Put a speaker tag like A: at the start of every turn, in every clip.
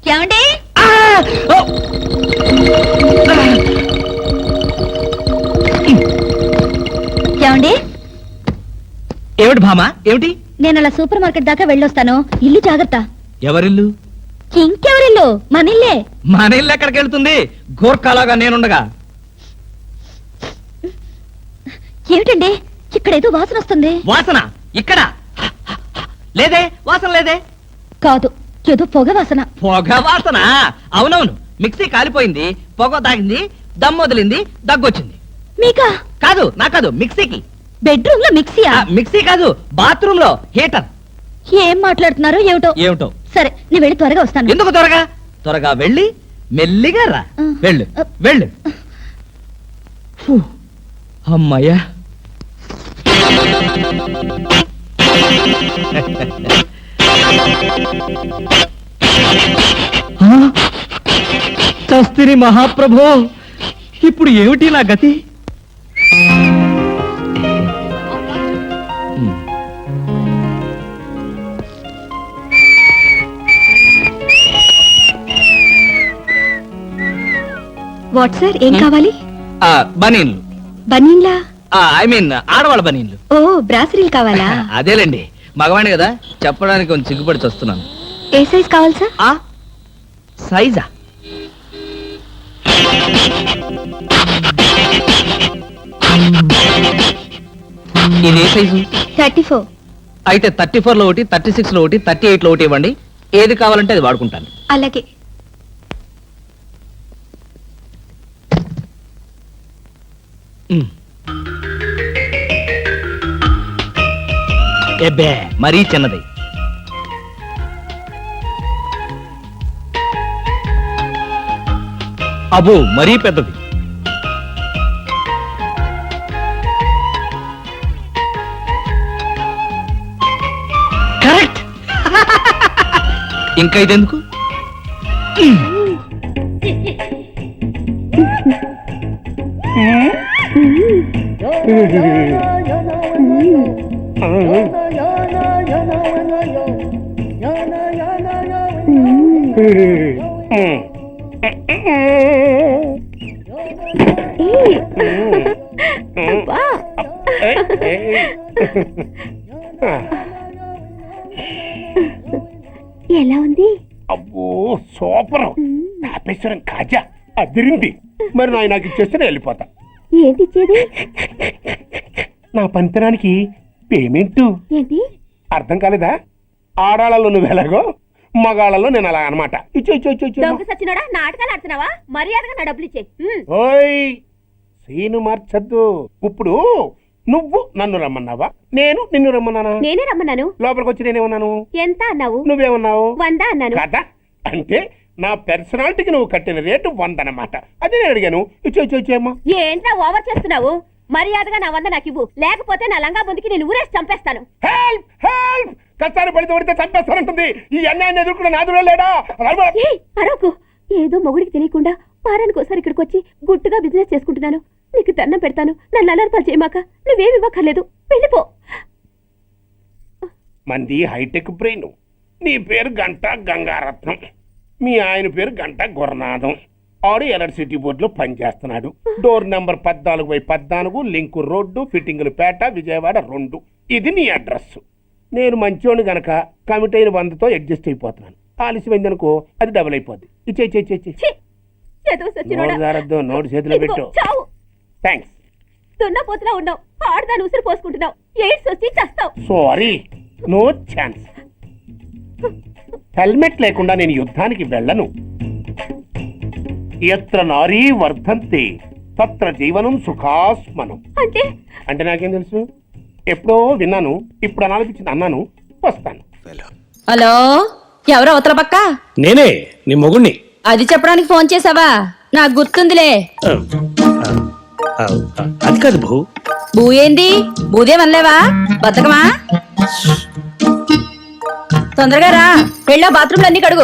A: ఏమండి? ఏమండి?
B: ఏమిటి భామా, ఏమిటి?
A: నేను అలా సూపర్ మార్కెట్ దాకా వెళ్ళొస్తాను. ఇల్లు జాగ్రత్త.
B: ఎవరిల్లు?
A: ఇంకెవరిల్లు? మనిల్లే.
B: మన ఇల్లు ఎక్కడికి వెళ్తుంది? గోర్ఖాలాగా నేనుండగా.
A: ఏమిటండి ఇక్కడేదో వాసన వస్తుంది?
B: వాసన ఇక్కడ లేదే, వాసన లేదే.
A: కాదు, ఏదో పొగ వాసన.
B: పొగ వాసన? అవునవును, మిక్సీ కాలిపోయింది, పొగ తాగింది, దమ్ము వదిలింది, దగ్గొచ్చింది.
A: మీకా?
B: కాదు, నా కాదు, మిక్సీకి.
A: బెడ్రూమ్ లో మిక్సీయా?
B: మిక్సీ కాదు, బాత్రూమ్ లో హీటర్.
A: ఏం మాట్లాడుతున్నారు ఏమిటో.
B: ఏమిటో.
A: సరే, నేను వెళ్ళి త్వరగా వస్తాను.
B: ఎందుకు త్వరగా? త్వరగా వెళ్ళి మెల్లిగా రా. వెళ్ళు వెళ్ళు. ఫు, అమ్మయ్యా. చస్తిని మహాప్రభో, ఇప్పుడు ఏమిటి నా గతి?
A: వాట్ సార్, ఏం కావాలి?
B: బనీన్లు.
A: బనీన్లా?
B: ఐ మీన్ ఆడవాళ్ళ బనీన్లు.
A: ఓ, బ్రాసరీలు కావాలా?
B: అదేలేండి, మగవాణి కదా, చెప్పడానికి కొంచెం సిగ్గుపడి వస్తున్నాను.
A: ఏ సైజ్ కావాలి సార్?
B: సైజా? ఇది ఏ సైజు?
A: 34.
B: అయితే 34 లో ఒకటి, 36 లో ఒకటి, 38 లో ఒకటి ఇవ్వండి. ఏది కావాలంటే అది వాడుకుంటాను.
A: అలాగే.
B: ఎబ్బే, మరీ చిన్నది. అబ్బో, మరీ పెద్దది. కరెక్ట్. ఇంకా ఇదెందుకు?
A: ఎలా ఉంది?
C: అబ్బో సూపర్. తాపేశ్వరం కాజా అదిరింది. మరి నాకు ఇచ్చేస్తే నేను వెళ్ళిపోతా.
A: ఏంటి ఇచ్చేది?
C: నా పంతనానికి పేమెంట్.
A: ఏంటి
C: అర్థం కాలేదా? ఆడాళ్ళలో నువ్వు ఎలాగో, మగాళ్ళలో నేను అలా అనమాట.
A: సచ్చినోడా, నాటకాలు ఆడుతున్నావా? మర్యాదగా నా డబ్బులు ఇచ్చే.
C: ఓయ్ సీను మార్చద్దు. ఇప్పుడు నువ్వు నన్ను రమ్మన్నావా, నేను నిన్ను రమ్మన్నానా?
A: నేనే రమ్మన్నాను.
C: లోపలికి వచ్చి నేనేమన్నాను?
A: ఎంత అన్నావు?
C: నువ్వేమన్నావు?
A: 100 అన్నాను.
C: కదా, అంటే నా పర్సనాలిటీకి నువ్వు కట్టిన రేటు 100 అన్నమాట. అదే నేను అడిగాను. ఇచ్చేమ్మా.
A: ఏంట్రా ఓవర్ చేస్తున్నావు? మర్యాదగా నా 100 నాకు ఇవ్వు, లేకపోతే నా లంగా ముందుకి నేను ఊరేసి చంపేస్తాను.
C: Help help. కష్టాన్ని పడితే పడితే చంపేస్తానంటుంది. ఈ అన్యాయాన్ని ఎదుర్కొన్న నాదుడే లేడా?
A: అరవకు. ఏదో మొగుడికి తెలియకుండా వారానికి ఒకసారి ఇక్కడికి వచ్చి గుట్టుగా బిజినెస్ చేసుకుంటున్నాను. నీకు దండం పెడతాను, నన్ను అలర్పాలు చేయమాక. నువ్వేమి ఇవ్వక్కర్లేదు, వెళ్ళిపో.
C: మంది హైటెక్ బ్రెయిన్. నీ పేరు గంట గంగారత్నం, మీ ఆయన పేరు గంట గురనాథం. ఆడు ఎలక్ట్రిసిటీ బోర్డులో పనిచేస్తున్నాడు. డోర్ నెంబర్ 14/14, లింకు రోడ్డు, ఫిట్టింగులు పేట, విజయవాడ 2. ఇది నీ అడ్రస్. నేను మంచోని గనక కమిట్ అయిన 100తో అడ్జస్ట్ అయిపోతున్నాను. ఆలస్యమైందనుకో అది డబుల్ అయిపోద్ది. నోటు చేతిలో పెట్టు. థ్యాంక్స్.
A: దున్నపోతులా ఉన్నావు, ఆడదాని ఉసురు పోసుకుంటున్నావు. ఎయిడ్స్ వచ్చి చస్తావు.
C: Sorry, no chance. హెల్మెట్ లేకుండా నేను యుద్ధానికి వెళ్ళను. ఎత్ర నారీ వర్ధంతే తత్ర జీవనం సుఖాస్మనం. అంటే నాకేం తెలుసు? ఎప్పుడో విన్నాను, ఇప్పుడు అనాలనిపించింది అన్నాను. వస్తాను.
A: హలో, ఎవరో అవతల పక్క?
D: నేనే, నీ మొగుణ్ణి.
A: అది చెప్పడానికి ఫోన్ చేసావా? నాకు గుర్తుందిలే.
D: అది కాదు భూ.
A: భూ ఏంది? భూదేమనలేవా? బతకమా? తొందరగా రా, వెళ్ళా బాత్రూమ్లు అన్ని కడుగు.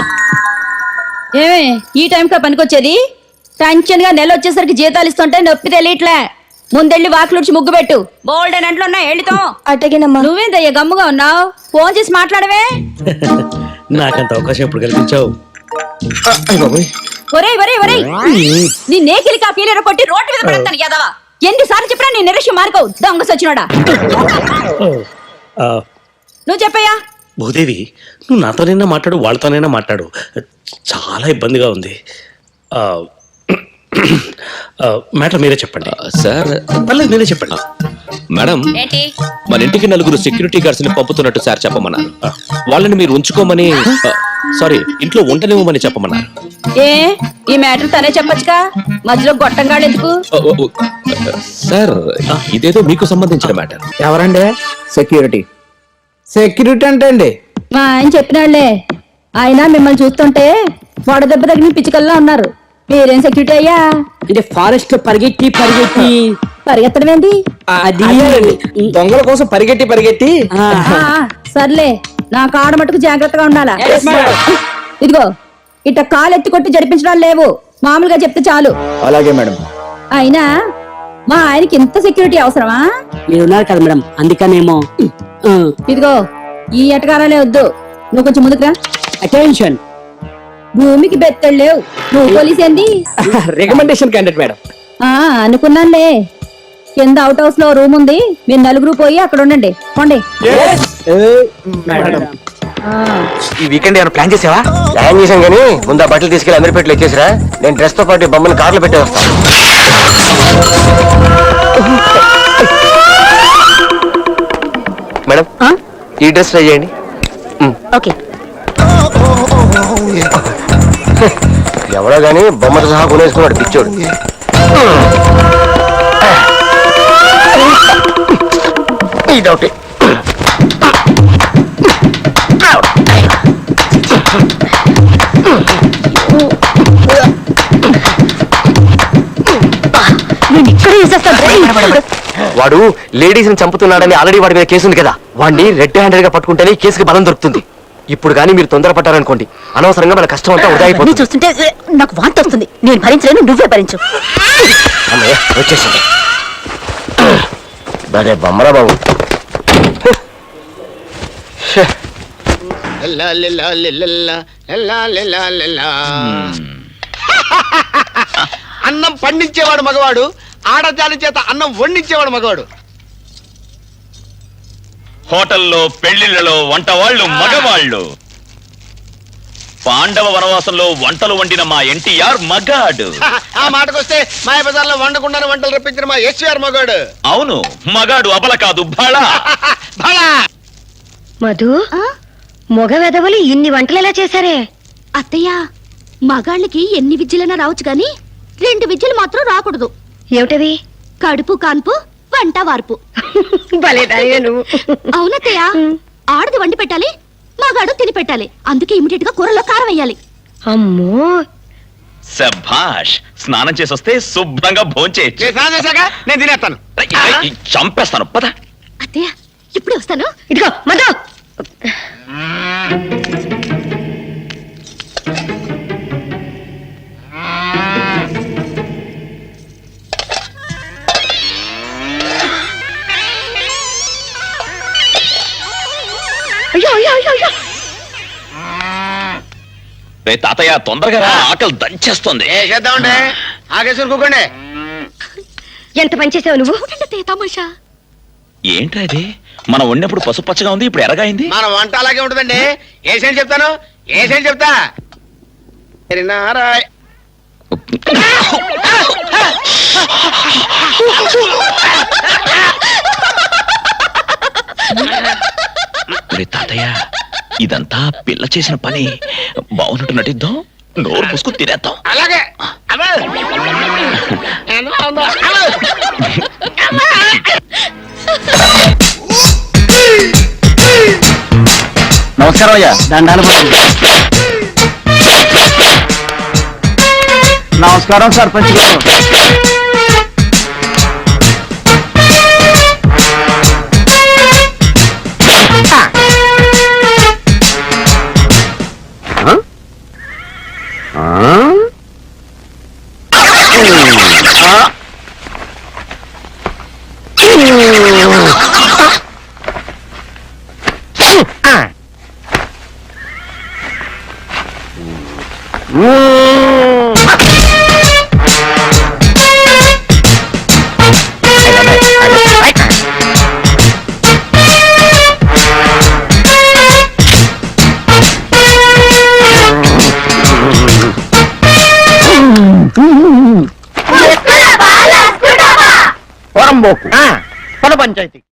A: ఏమే ఈ టైంకా పనికొచ్చేది? టెన్షన్ గా నెల వచ్చేసరికి జీతాలు ఇస్తుంటే నొప్పి తెలియట్లే. ముందెళ్ళి వాకిలుడ్చి ముగ్గు పెట్టు. బోల్డ్ అని అంట్లో ఉన్నా వెళ్ళితో. అట్టగేనమ్మా. నువ్వేందయ్యా గమ్ముగా ఉన్నావు? ఫోన్ చేసి మాట్లాడవే.
D: నాకంత అవకాశం ఎప్పుడు కల్పించావు?
E: ఒరేయ్ ఒరేయ్ ఒరేయ్ నీ నేకిలి కాపీలేరు కొట్టి రోడ్డు మీద పడతాను యాదవా ఎన్నిసార్లు చెప్పినా నీ నిరక్ష్యం మార్కవు దొంగ సచ్చినోడా నువ్వు చెప్పయ్యా
D: భూదేవి నువ్వు నాతోనైనా మాట్లాడు వాళ్ళతోనైనా మాట్లాడు చాలా ఇబ్బందిగా ఉంది మ్యాటర్ మీరే చెప్పండి
F: సార్
D: పర్లేదు మీరే చెప్పండి
F: మేడం
E: ఏంటి
F: మన ఇంటికి 4 సెక్యూరిటీ గార్డ్స్ ని పంపుతున్నట్టు సార్ చెప్పమన్నారు వాళ్ళని మీరు ఉంచుకోమని సారీ ఇంట్లో ఉండనివ్వమని చెప్పమన్నారు
E: ఏ ఈ మ్యాటర్ తనే చెప్పొచ్చుగా మధ్యలో గొట్టంగాడు ఎందుకు
F: సార్ ఇదేదో మీకు సంబంధించిన మ్యాటర్
G: ఎవరండి సెక్యూరిటీ సెక్యూరిటీ అంటే అండి
E: మా ఆయన చెప్పినాళ్లే ఆయన మిమ్మల్ని చూస్తుంటే వడదెబ్బ తగిన పిచ్చుకల్లా ఉన్నారు మీరేం సెక్యూరిటీ అయ్యా
G: అంటే ఫారెస్ట్ పరిగెట్టి పరిగెట్టి
E: పరిగెత్తడం ఏంటి
G: అది దొంగల కోసం పరిగెట్టి పరిగెట్టి
E: సర్లే నా కాడ మటుకు జాగ్రత్తగా ఉండాలా ఇదిగో ఇట్ట కాలు ఎత్తి కొట్టి జరిపించడాలు లేవు మామూలుగా చెప్తే చాలు
G: అలాగే మేడం
E: అయినా మా ఆయనకి ఇంత సెక్యూరిటీ అవసరమా
G: మీరు ఉన్నారు కదా మేడం అందుకనేమో
E: ఇదిగో ఈ ఎటకారాలే వద్దు నువ్వు కొంచెం ముందుకురా
G: అటెన్షన్
E: భూమికి బెత్తడు లేవు నువ్వు పోలీస్ ఏంది
G: రికమెండేషన్ క్యాండిడేట్ మేడం
E: అనుకున్నానులే కింద అవుట్ హౌస్ లో రూమ్ ఉంది మీరు నలుగురు పోయి అక్కడ ఉండండి పోండి
G: మేడం
H: ఈ వీకెండ్ ఏమైనా ప్లాన్ చేసావా? ప్లాన్ చేశాం కానీ ముందు ఆ బట్టలు తీసుకెళ్లి అందరి పెట్లు ఎక్కేసిరా. నేను డ్రెస్ తో పాటు బొమ్మని కార్లో పెట్టే వస్తాను. మేడం ఈ డ్రెస్ ట్రై చేయండి.
E: ఓకే
H: ఎవరో గానీ బొమ్మతో సహా కొనేసుకున్నాడు పిచ్చోడు. ఇదొకటి వాడు లేడీస్ ని చంపుతున్నాడని ఆల్రెడీ వాడి మీద కేసు ఉంది కదా, వాడిని రెడ్ హ్యాండెడ్ గా పట్టుకుంటేనే కేసుకి బలం దొరుకుతుంది. ఇప్పుడు కానీ మీరు తొందరపడ్డారనుకోండి అనవసరంగా మన కష్టం అంతా వృధా అయిపోతుంది.
E: చూస్తుంటే నాకు వాంతి వస్తుంది. నేను భరించలేను, నువ్వే భరించు.
H: అమ్మయ్య వచ్చేసింది. బరే బొమ్మరా బాబు.
I: అన్నం పండించేవాడు మగవాడు, ఆడజాలి చేత అన్నం వండించేవాడు మగవాడు.
J: హోటల్లో పెళ్లిళ్లలో వంట వాళ్ళు మగవాళ్ళు. పాండవ వనవాసంలో వంటలు వండిన మా ఎన్టీఆర్ మగాడు.
I: ఆ మాటకొస్తే మాయ బజార్లో వండకుండానే వంటలు రప్పించిన మా ఎస్ఆర్ మగాడు.
J: అవును, మగాడు అబల కాదు బళ.
A: మధు మగ వెదవలు ఇన్ని వంటలు ఎలా చేశారే? అత్తయ్య, మగాళ్ళకి ఎన్ని విద్యలైనా రావచ్చు గాని 2 విద్యలు మాత్రం రాకూడదు. ఏమిటవి? కడుపు కాన్పు, వంట వార్పు. అవునత్తయ్య, ఆడది వండి పెట్టాలి, మగాడు తిని పెట్టాలి. అందుకే ఇమిడియట్ గా కూరలో కారం వేయాలి. అమ్మో,
J: శభాష్. స్నానం చేసొస్తే శుభ్రంగా భోంచేయచ్చు.
I: నేను తినేస్తాను.
J: చంపేస్తాను పద.
A: అత్తయ్య ఇప్పుడే వస్తాను. ఇదిగో మధు. అయ్యో అయ్యో అయ్యో అయ్యో.
J: రే తాతయ్య తొందరగా రా, ఆకలి దంచేస్తుంది.
I: చేద్దామండి, ఆగేసుకుని కూకోండి.
A: ఎంత పని చేసావు నువ్వు? తమాషా
J: ఏంట్రా ఇది? మనం వండినప్పుడు పసుపు పచ్చగా ఉంది, ఇప్పుడు ఎరగైంది.
I: మన వంట అలాగే ఉంటుందండి. ఏసేం చెప్తాను, ఏసేం చెప్తా. నారాయణ
J: రే తాతయ్య, ఇదంతా పిల్ల చేసిన పని. బాగున్నట్టు నటిద్దాం, నోరు పుసుకు తినేద్దాం.
I: అలాగే.
H: నమస్కారం అయ్యా. దండాలు. నమస్కారం సర్పంచ్ గారు.
I: పొరంబోకు పద పంచాయతీ